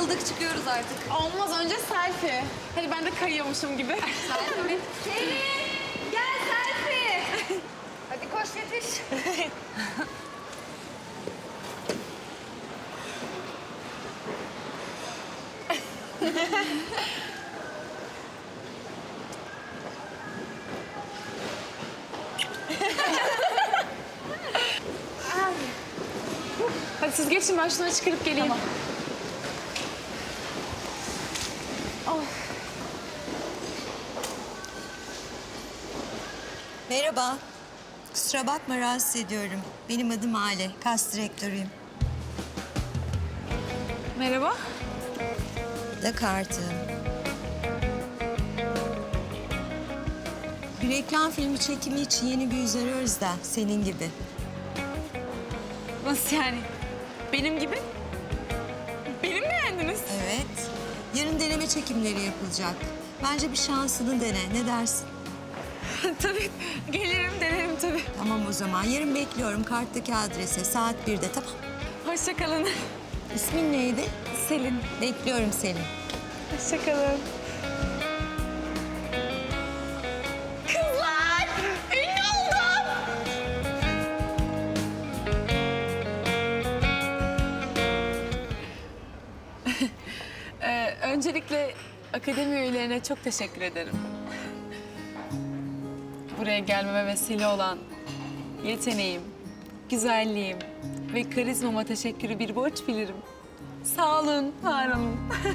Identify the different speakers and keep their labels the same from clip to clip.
Speaker 1: Kayıldık çıkıyoruz artık.
Speaker 2: Olmaz, önce selfie. Hadi ben de kayıyormuşum gibi.
Speaker 1: Selfie mi? Selin! Gel selfie! Hadi koş yetiş.
Speaker 2: Hadi siz geçin, ben şunları çıkarıp geleyim. Tamam.
Speaker 3: Merhaba. Kusura bakma rahatsız ediyorum. Benim adım Ale. Kas direktörüyüm.
Speaker 2: Merhaba.
Speaker 3: Da kartı. Bir reklam filmi çekimi için yeni bir yüz arıyoruz da senin gibi.
Speaker 2: Nasıl yani? Benim gibi? Benim mi beğendiniz?
Speaker 3: Evet. Yarın deneme çekimleri yapılacak. Bence bir şansını dene. Ne dersin?
Speaker 2: Tabii, gelirim, denerim tabii.
Speaker 3: Tamam o zaman. Yarın bekliyorum karttaki adrese. Saat 1'de tamam.
Speaker 2: Hoşça kalın.
Speaker 3: İsmin neydi?
Speaker 2: Selin.
Speaker 3: Bekliyorum seni.
Speaker 2: Hoşça kalın. Kızlar! Ünlü oldum! Öncelikle akademi üyelerine çok teşekkür ederim. Buraya gelmeme vesile olan yeteneğim, güzelliğim ve karizmama teşekkürü bir borç bilirim. Sağ olun, var olun.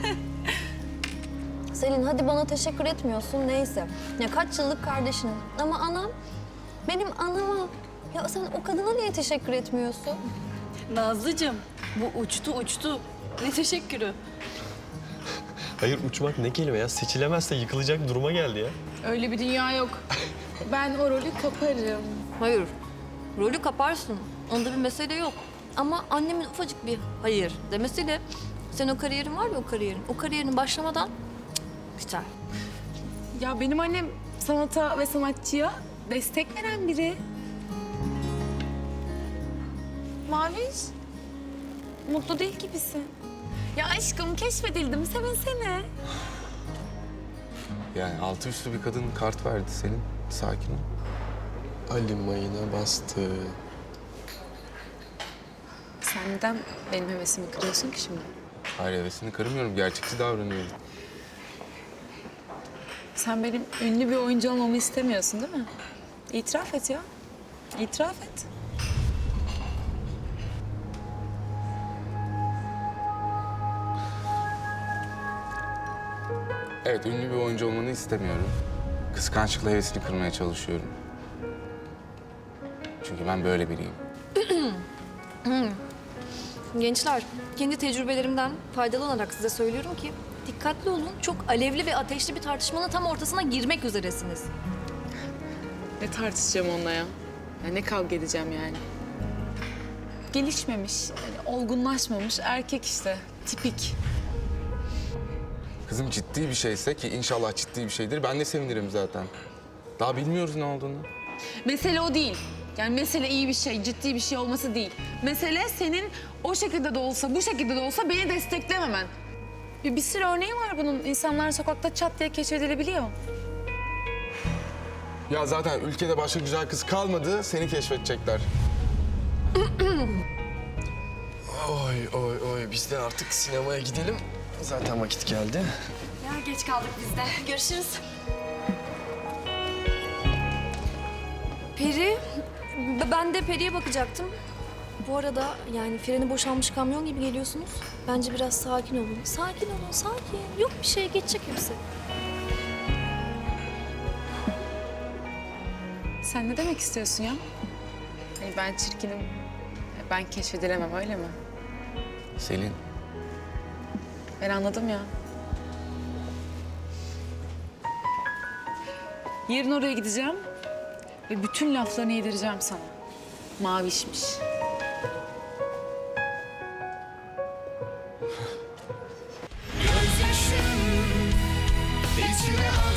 Speaker 4: Selin hadi bana teşekkür etmiyorsun neyse. Ya kaç yıllık kardeşinim ama anam benim anama. Ya sen o kadına niye teşekkür etmiyorsun?
Speaker 5: Nazlıcığım, bu uçtu. Ne teşekkürü?
Speaker 6: Hayır uçmak ne kelime ya? Seçilemezse yıkılacak duruma geldi ya.
Speaker 2: Öyle bir dünya yok. Ben o rolü kaparım.
Speaker 4: Hayır. Rolü kaparsın. Onda bir mesele yok. Ama annemin ufacık bir hayır demesiyle sen o kariyerin var ya o kariyerin başlamadan biter.
Speaker 2: Ya benim annem sanata ve sanatçıya destek veren biri. Maviş, mutlu değil gibisin. Ya aşkım keşfedildim, sevinsene.
Speaker 7: Yani altı üstü bir kadın kart verdi senin. Sakin ol.
Speaker 6: Ali mayına bastı.
Speaker 2: Sen neden benim hevesimi kırıyorsun ki şimdi?
Speaker 7: Hayır hevesini kırmıyorum. Gerçekçi davranıyorum.
Speaker 2: Sen benim ünlü bir oyuncu olmamı istemiyorsun değil mi? İtiraf et ya. İtiraf et.
Speaker 7: Evet ünlü bir oyuncu olmanı istemiyorum. Kıskançlıkla hevesini kırmaya çalışıyorum. Çünkü ben böyle biriyim.
Speaker 4: Gençler, kendi tecrübelerimden faydalı size söylüyorum ki dikkatli olun. Çok alevli ve ateşli bir tartışmanın tam ortasına girmek üzeresiniz.
Speaker 2: Ne tartışacağım onunla ya? Ya ne kavga edeceğim yani? Gelişmemiş, yani olgunlaşmamış erkek işte. Tipik.
Speaker 7: Kızım ciddi bir şeyse ki inşallah ciddi bir şeydir. Ben de sevinirim zaten. Daha bilmiyoruz ne olduğunu.
Speaker 2: Mesele o değil. Yani mesele iyi bir şey, ciddi bir şey olması değil. Mesele senin o şekilde de olsa, bu şekilde de olsa beni desteklememen. Bir sürü örneği var bunun. İnsanlar sokakta çat diye keşfedilebiliyor.
Speaker 7: Ya zaten ülkede başka güzel kız kalmadı. Seni keşfedecekler.
Speaker 6: Oy biz de artık sinemaya gidelim. Zaten vakit geldi.
Speaker 1: Ya geç kaldık biz de. Görüşürüz.
Speaker 4: Peri, ben de Peri'ye bakacaktım. Bu arada yani freni boşalmış kamyon gibi geliyorsunuz. Bence biraz sakin olun. Sakin olun, sakin. Yok bir şey, geçecek hepsi.
Speaker 2: Sen ne demek istiyorsun ya? Hani ben çirkinim, ben keşfedilemem öyle mi?
Speaker 7: Selin.
Speaker 2: Ben anladım ya. Yarın oraya gideceğim ve bütün laflarını yedireceğim sana. Mavişmiş.
Speaker 8: Gözyaşım içime